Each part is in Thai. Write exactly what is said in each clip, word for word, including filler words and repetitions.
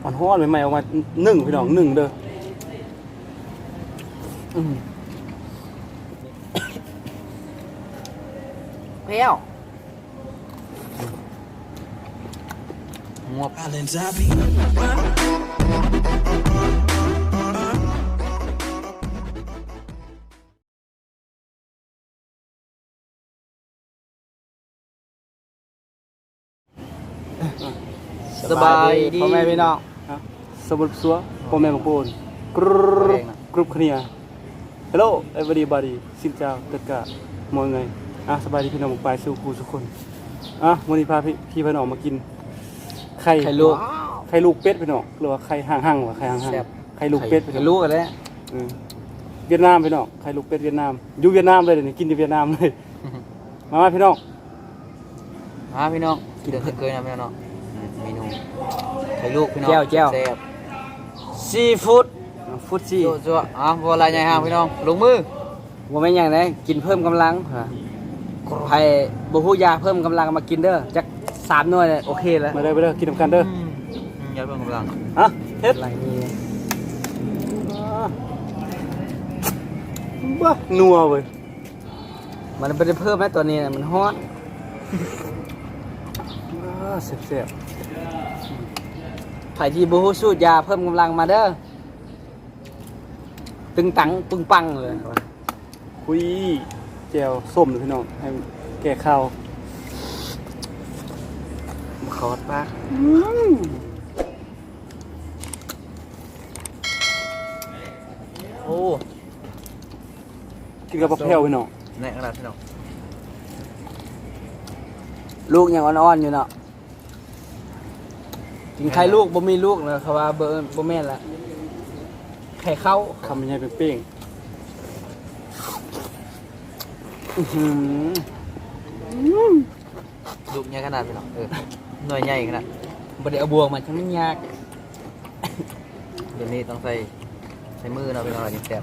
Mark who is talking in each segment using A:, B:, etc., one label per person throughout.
A: อนฮ้อนใหม่ๆออกมาหนึ่งพี่น้องหนึ่งเด้อ
B: เปรี้ยวงวบสบายดีพ่อแม่พี่น้อง
A: สมุทรสัวพ่อแม่บางปูนกรุ๊ปกรุ๊ปเคลียร์ Hello everybody สินเจ้าtất cả mọi người อ่ะสบายดีพี่น้องไปสู่ครูทุกคนอ่ะวันนี้พาพี่พี่พี่น้องมากินไข่ไข่ลูกไข่ลูกเป็ดพี่น้องหรือว่าไข่ห่างๆว่าไข่ห่างๆไข่ลูกเป็ดพี่น้อง
B: ลูกกันแล้ว
A: เวียดนามพี่น้องไข่ลูกเป็ดเวียดนามอยู่เวียดนามเลยเดี๋ยวนี้กินที่เวียดนามเลยมามาพี่น้อง
B: มาพี่น้องกินเดือดเคยนะพี่น้องเมนูไข่ลูกพี่น้องแจ่วแจ่วซีฟู้ดฟู้ดซีจั่วอ่ะบัวลายใหญ่ห่างพี่น้องลงมือบัวไม่ยังไงกินเพิ่มกำลังไผ่บัวหูยาเพิ่มกำลังมากินเด้อจักสามหน่วยเลยโอเคแล้ว
A: มาเด้อไปเด้อกินน้ำกันเด้
B: อยาเพิ่มกำลัง
A: อ่ะเฮ็ดอะไรนี่บ้านัวเว้ย
B: มันไม่ได้เพิ่มแม้ตัวนี้มันฮอต
A: เสียบ
B: ไผ่ที่บัวหูสูดยาเพิ่มกำลังมาเด้อตึงตังปึงปังเลย
A: คุยแจวส้มเลยพี่น้องให้แก่ข้าว
B: มาขอดปะโอ้
A: กินกับผักแพรวพี่น้อง
B: แน่ขนาดพี่น้องลูกยังอ่อนๆอยู่เนาะกินไข่ลูกบ่มีลูกเลยเขาว่าเบอร์บ่แม่นละไข่เข้า
A: คำใหญ่เป้ง
B: ลูกใหญ่ขนาดพี่น้องเออหน่วยใหญ่ขนาดบ่ได้เอาบวงมันทั้งมันยากเดี๋ยวนี้ต้องใส่ใส่มือเนาะพี่น้องอะไรนี่แซ่บ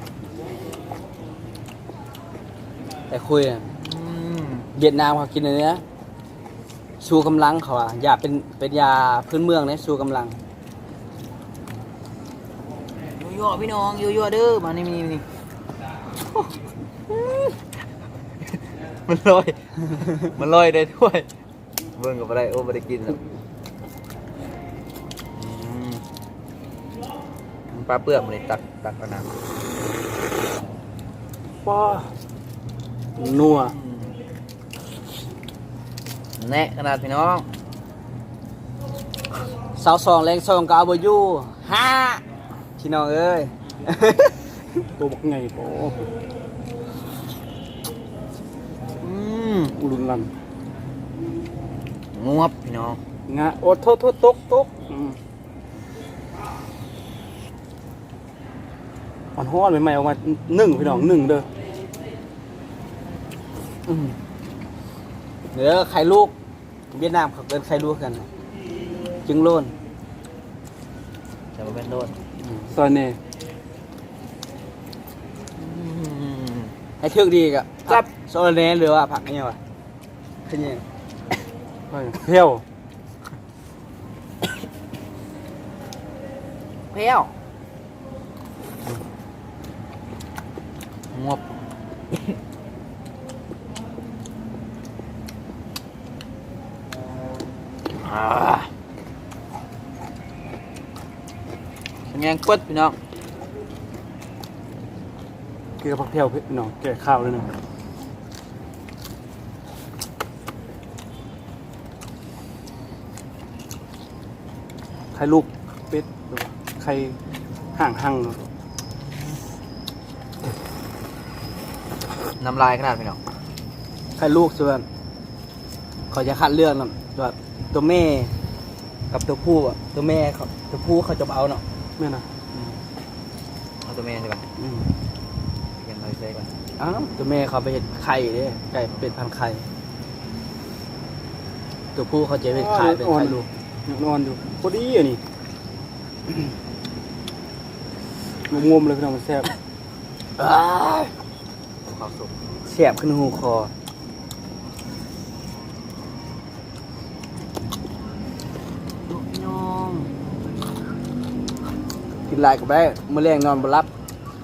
B: แต่คุยอ่ะเวียดนามเขากินอันเนี้ยชูกำลังเขาอ่ะยาเป็นเป็นยาพื้นเมืองเนี่ยชูกำลังยั่วพี่น้องยั่วๆเด้อมานี่นี่นี่มันลอยมันลอยได้ด้วยเบิ่งกับอะไรโอ้ไม่ได้กินแล้วปลาเปลือกมันเลยตัดตัดขนาด
A: ว้านัว
B: แน่ขนาดพี่น้องสาวสองแรงสองก็เอาไปอยู่ห้าพี่น้องเอ้ย
A: ตัวบักไงโอ้
B: อืม
A: อุลุนลัน
B: งวบพี่น้อง
A: งะโอ้โทษโทษตกตกอ่อนฮ้อนใหม่ๆออกมาหนึ่งพี่น้องหนึ่งเด้อ
B: เดี๋ยวไข่ลูกเวียดนามเขาเป็นไข่ลูกกันจึงโลนจะมาเป็นโลน
A: ตอนนี้
B: ให้เทือกดีกะจับโซลเน่หรือว่าผักนี่วะขึ้นยัง
A: เพี้ยว
B: เพี้ยวงวบแงงปึ๊ดพี่น้อง
A: กินกับผักเพี้ยวพี่น้องแก่ข้าวเลยนะไข่ลูกเป็ดไข่ห่างห่าง
B: น้ำลายขนาดพี่น้องไข่ลูกส่วนเขาจะคัดเลือกนะตัวตัวแม่กับตัวผู้อ่ะตัวแม่เขาตัวผู้เขาจะเอาเนาะ
A: แม่นะ
B: เอาตัวแม่ใช่ป่ะยังไงใช่ป่ะ
A: อ้าว
B: ตัวแม่เขาไปเห็ดไข่เนี่ยไก่เป็นพันไข่ตัวผู้เขาจะเป็นไข่เป็นไข่ลูก
A: นอนอยู่พอดีอ่ะนี่งมๆเลยพี่น้องมันแซ่บ
B: แซ่บขึ้นหูคอกินหลายก็ได้มื้อแรงนอนบ่หลับ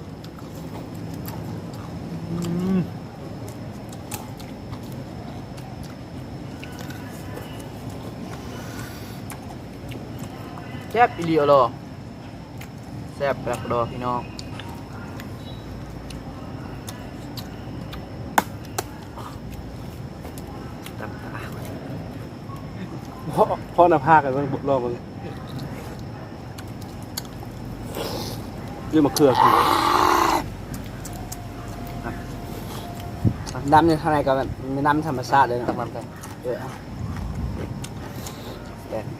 B: แซ่บอีหลีเอาล่ะแซ่บแปลกดอพี่น้องตำตา
A: พ่อพ่อหน้าผากกันเบิ่งรอเบิ่งเรื่องมะเขือคือ
B: น้ำในข้างในก็เป็นน้ำธรรมชาติเลยนะตักน้ำกันเออแดด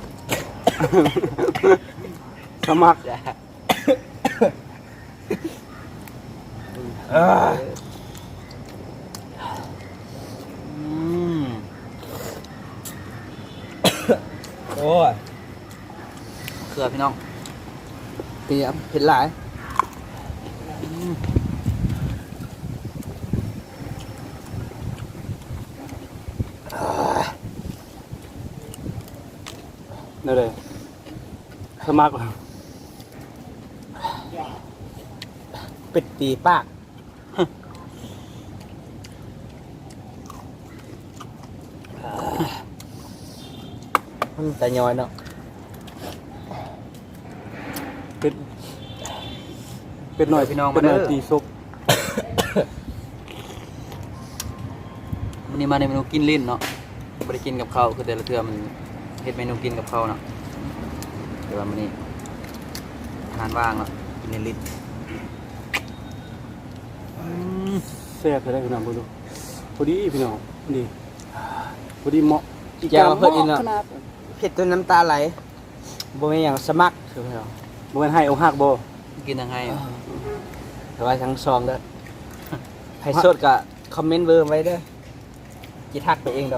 A: สมัคร
B: แดด
A: เออ
B: อืมโอ้ยเกลือพี่น้องเปียกเผ็ดหลายอืม
A: นั่นเลยสมัคร
B: เป็ดตีปากมันแต่ย้อยเนาะ
A: เป็นเป็นหน่อย
B: พี่น้อง
A: เป็นหน่อย
B: มาเด้อ
A: ตีซุป
B: วันนี้มาในเมนูกินลิ้นเนาะไม่ได้กินกับข้าวคือแต่ละเทื่อมันเฮ็ดเมนูกินกับข้าวเนาะแต่ว่ามื้อนี้อาหารว่างเนาะกินในลิ้นอืม
A: แซ่บจะได้พี่น้องเบิ่งดูพอดีพี่น้องพอดีพอดีเหมาะ
B: แก้วเพิ่นอีกเนาะ
A: ขนาด
B: เผ็ดจนน้ำตาไหลบ่มีหยังสมัครคือเนาะ
A: บ่แม่นให้เอาหักบ่
B: กินยังไงแต่ว่าทั้งซองเด้อใครสดก็คอมเมนต์เบอร์ไว้เด้อจิทักไปเองดอก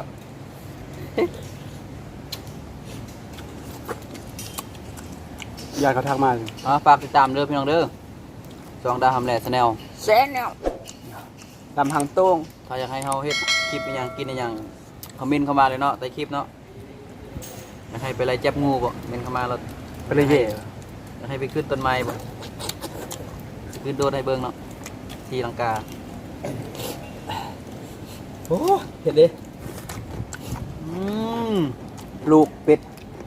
A: ยายเขาทักมา
B: อ๋อฝากติดตามเด้อพี่น้องเด้อจองดาวทำแหล่ชาแนลแซนแนลลำหังโต้งถ้าอยากให้เฮาเฮ็ดคลิปอหยังกินอหยังคอมเมนต์เข้ามาเลยเนาะใต้คลิปเนาะอยากให้ไปไล่จับงูบ่เมนต์เข้ามาแล้ว
A: ไปเลยเย่
B: อยากให้ไปขึ้นต้นไม้บ่ขึ้นโดดให้เบิ่งเนาะทีลังกาโอ้เผ็ดดิอืมลูกเป็ด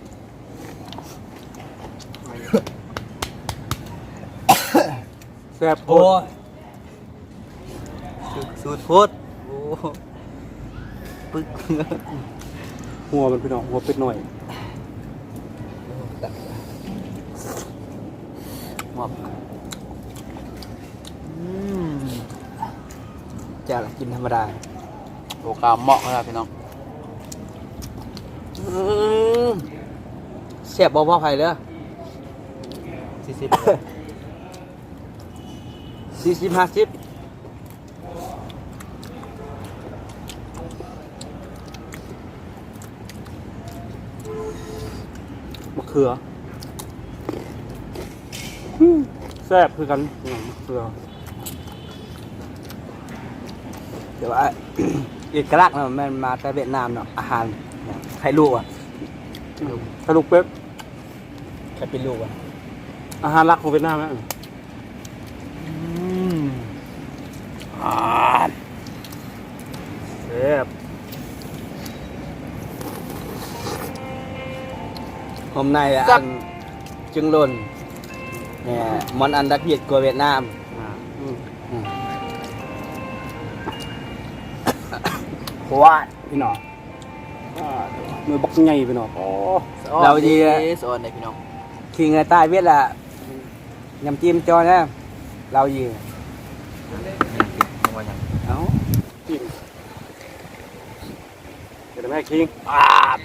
A: แซ่บโพ
B: โอ้
A: ด
B: ยสูตรโพดโอ้ปึ๊ก
A: หัวมันพี่น้องหัวเป็ดหน่อย
B: หมอบอืมจะละกินธรรมดาโอกาเหมาะครับพี่น้องเสียบบ่พ่อไผ่เลยสี่สิบสี่สิบห้าสิบ
A: มะเขืออืมแซ่บคือกันพี่น้องมะเขือ
B: เดี๋ยวว่า เอกลักษณ์เนาะมันมาแต่เวียดนามเนาะอาหารใครลูกอ่ะ
A: สรุปเป๊บ
B: ใครเป็นลูกอ่ะ
A: อาหารหลักของเวียดนามนะ
B: อืม
A: อ่าแซ่บ
B: ผมในอ่ะอันจึงหล่นเนี่ยมันอันดับเพียดกว่าเวียดนาม
A: อ่าอืม
B: อืม
A: วาดพี่น้องอ่ามือบักใหญ่พี่น้องโอ้
B: เราดีสอนได้พี่น้องขี่เงยใต้เวียดละยำจิ้มจอนะเราดีเอ้า
A: กินเดี๋ยวแม่คิง
B: อ่า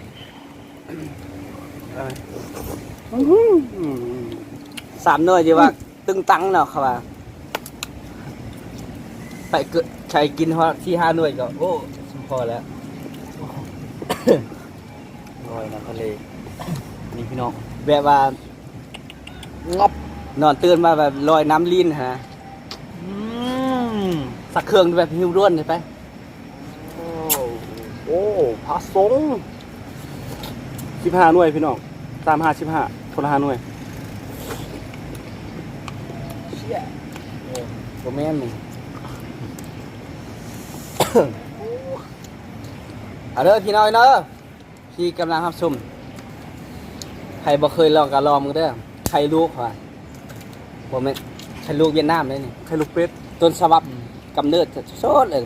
A: อะไรอื้อหืออืม
B: สามหน่วยจีว่าตึงตังเนาะครับว่าไปเกิดใช้กินฮอที่ห้าหน่วยก็โอ้พอแล้วลอยน้ำทะเลนี่พี่น้องแบบว่างอบนอนตื่นมาแบบลอยน้ำลิ้นฮะสักเครื่องแบบหิวร่วนเลยไป
A: โอ้โอ้พระสงฆ์สิบห้าหน่วยพี่น้องตามห้าสิบห้าคนละห้าหน่วย
C: บ่แม่นมึง เอาเด้อพี่น้อยเด้อที่กำลังรับชมใครบ่เคยลองก็ลองมึงเด้อไข่ลูกว่ะบ่แม่นไข่ลูกเวียดนามเลยนี่
A: ไข่ลูกเป็ด
C: ต้นฉบับกำเนิดสดเลย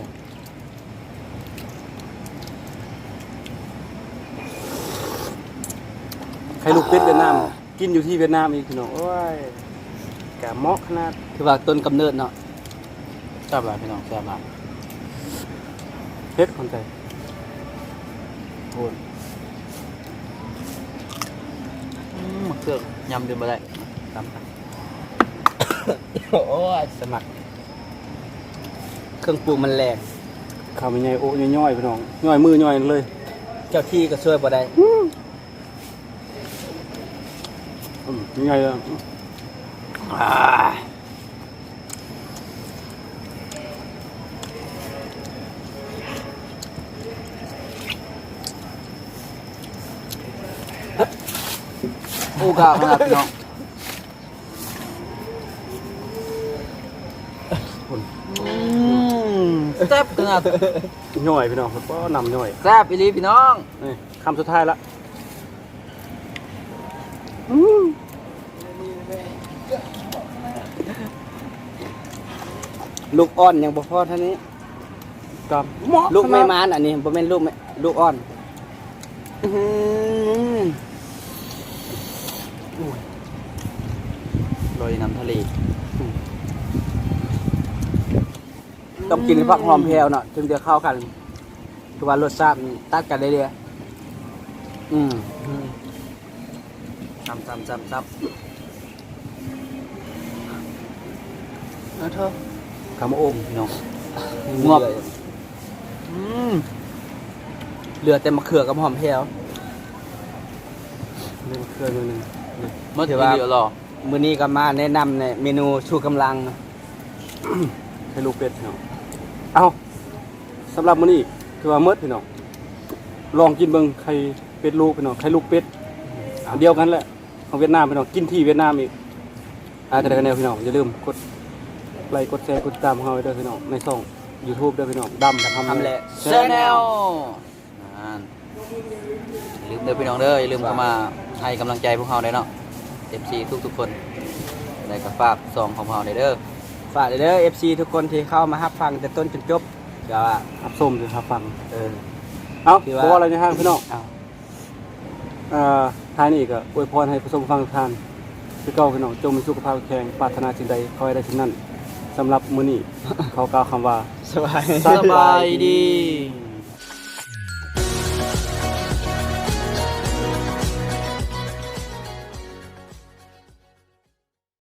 A: ไข่ลูกเป็ดเวียดนามกินอยู่ที่เวียดนามอีกพี่น้องโอ้ยกะเหมาะขนาด
C: คือว่าต้นกำเนิดเนาะ
B: แซ่บหลายพี่น้องแซ่บหลาย
A: เฮ็ดคนใจโอ้ย
B: อืมมะเขือยำดื่มบ่ได้ตามกัน
C: โอ้ยสมัครเครื่องปรุงมันแรง
A: ข้าวมันใหญ่โอ้ย่อยๆพี่น้องย่อยมือย่อยเลย
C: เจ้าที่ก็ช่วยบ่ได้
A: อืมย่อยเลย
C: อ่าโอ้กะมาพี่น้อง
B: อืมแซ่บขนาด
A: ย่อยพี่น้องก็นำย่อย
B: แซ่บอีหลีพี่น้อง
A: นี่คำสุดท้ายละ
C: ลูกอ่อนยังบ่พอเท่านี้
A: กับเหมาะ
C: ลูกไม่
A: ขนาด
C: มานอันนี้บ่แม่นลูกแม่ลูกอ่อนอื้อหือ
B: โรยน้ำทะเล
C: ต้องกินผักหอมแพรวเนาะถึงจะเข้ากันคือว่ารสชาติมันตัดกันได้เดียวอืม
B: ซ้ำซ้ำซ้ำซ้
C: เอาเถอะ
A: คำว่าโอม
B: ำพี่น้อง
C: งวบ
B: อืม
C: เหลือแต่มะเขือกับหอมแพรว
A: เรื่องเครื่องนิดนึง
B: เมื่อถือว่าเดี๋ยวรอ
C: มื้อนี้ก็มาแนะนำในเมนูชูกำลัง
A: ไข่ลูกเป็ดพี่น้องเอาสำหรับมื้อนี้คือว่าเมิดพี่น้องลองกินเบิ่งไข่เป็ดลูกพี่น้องไข่ลูกเป็ดอันเดียวกันแหละของเวียดนามพี่น้องกินที่เวียดนามอีกอ่าแต่กันแนวพี่น้องอย่าลืมกดไลค์กดแชร์กดติดตามของเราไว้ด้วยพี่น้องในช่อง YouTube ด้วยพี่น้องดำทำ
C: ทำแหละ
B: แชนแนลอย่าลืมเด้อพี่น้องเด้ออย่าลืมเข้ามาให้กำลังใจพวกเราได้เนาะ เอฟ ซี ทุกๆคนได้กับฝากซองของเราได้เด้อ
C: ฝากเด้อ เอฟ ซี ทุกคนที่เข้ามารับฟังแต่ต้นจนจบเดี๋ยวว่า
A: รับส้มด้วยครับฟัง
C: เออ
A: เอา
C: คือ
A: เพ
C: ว่า
A: ราะว่าอะไรในห้างพี่น้อง
C: เอา
A: อ่าท้ายนี้ก็อวยพรให้ผู้ชมฟังทุกท่านพี่เก้าพี่น้องจงมีสุขภาพแข็งปรารถนาสิ่งใดขอให้ได้สิ่งนั้นสำหรับมื้อนี้ เขากล่าวคำว่า
C: สบาย
A: สบายดี
B: ดี